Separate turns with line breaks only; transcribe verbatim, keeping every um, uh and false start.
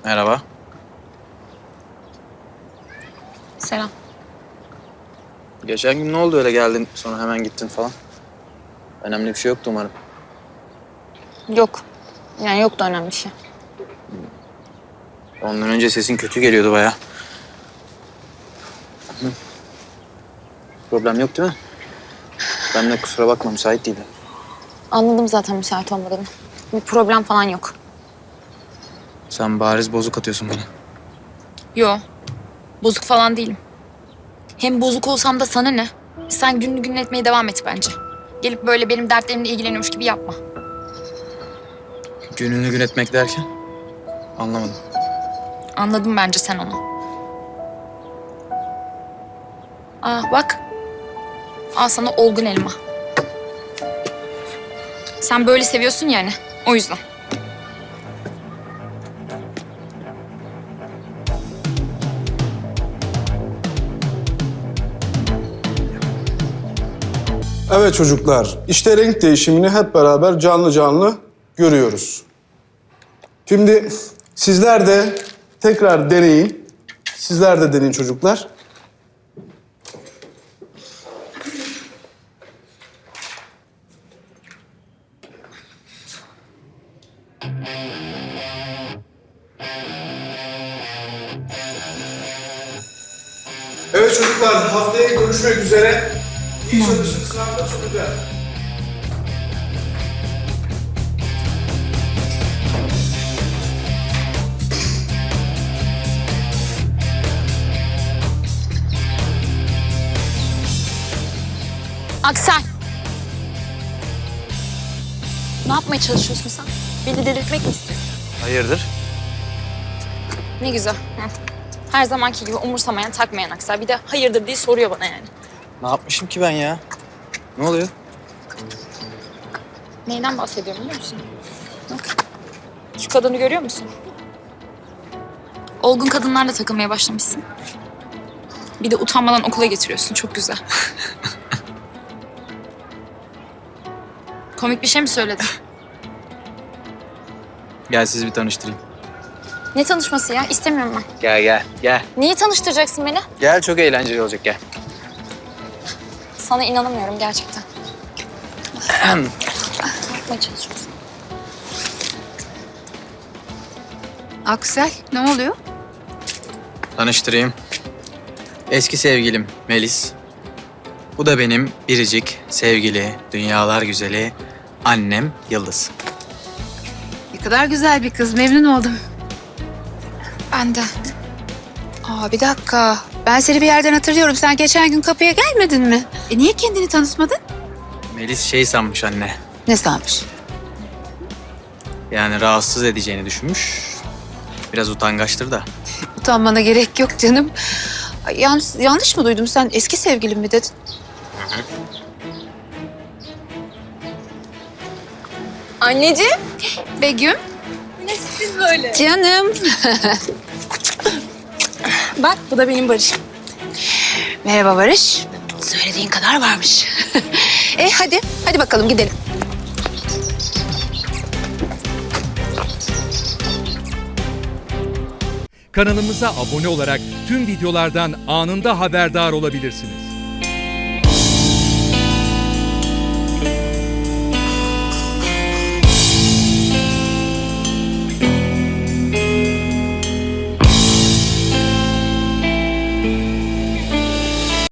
Merhaba.
Selam.
Geçen gün ne oldu öyle geldin sonra hemen gittin falan? Önemli bir şey yoktu umarım.
Yok. Yani yok da önemli bir şey.
Ondan önce sesin kötü geliyordu bayağı. Hı. Problem yok değil mi? Ben de kusura bakma müsait değildim.
Anladım zaten müsait olmadığını. Bir problem falan yok.
Sen bariz bozuk atıyorsun bana.
Yo, bozuk falan değilim. Hem bozuk olsam da sana ne? Sen gününü gün etmeye devam et bence. Gelip böyle benim dertlerimle ilgileniyormuş gibi yapma.
Gününü gün etmek derken? Anlamadım.
Anladın bence sen onu. Aa bak. Al sana olgun elma. Sen böyle seviyorsun yani. O yüzden.
Evet çocuklar, işte renk değişimini hep beraber canlı canlı görüyoruz. Şimdi sizler de tekrar deneyin. Sizler de deneyin çocuklar. Evet çocuklar, haftaya görüşmek üzere. İyi çalışın, sınavda sunacağız.
Aksel. Ne yapmaya çalışıyorsun sen? Beni delirtmek mi istiyorsun?
Hayırdır?
Ne güzel. Hı. Her zamanki gibi umursamayan, takmayan Aksel. Bir de hayırdır diye soruyor bana yani.
Ne yapmışım ki ben ya? Ne oluyor?
Neyden bahsediyorum biliyor musun? Bak. Şu kadını görüyor musun? Olgun kadınlarla takılmaya başlamışsın. Bir de utanmadan okula getiriyorsun. Çok güzel. Komik bir şey mi söyledim?
Gel sizi bir tanıştırayım.
Ne tanışması ya? İstemiyorum ben.
Gel gel gel.
Niye tanıştıracaksın beni?
Gel çok eğlenceli olacak gel.
Sana inanamıyorum gerçekten. Ne yapmaya çalışıyorsun?
Aksel, ne oluyor?
Tanıştırayım. Eski sevgilim Melis. Bu da benim biricik, sevgili, dünyalar güzeli annem Yıldız.
Ne kadar güzel bir kız, memnun oldum.
Ben de.
Aa, bir dakika. Ben seni bir yerden hatırlıyorum. Sen geçen gün kapıya gelmedin mi? E niye kendini tanıtmadın?
Melis şey sanmış anne.
Ne sanmış?
Yani rahatsız edeceğini düşünmüş. Biraz utangaçtır da.
Utanmana gerek yok canım. Ay, yanlış, yanlış mı duydum? Sen eski sevgilin mi dedin?
Anneciğim.
Begüm.
Ne sürpriz böyle.
Canım.
Bak bu da benim Barış'ım.
Merhaba Barış. Söylediğin kadar varmış. e hadi, hadi bakalım gidelim.
Kanalımıza abone olarak tüm videolardan anında haberdar olabilirsiniz.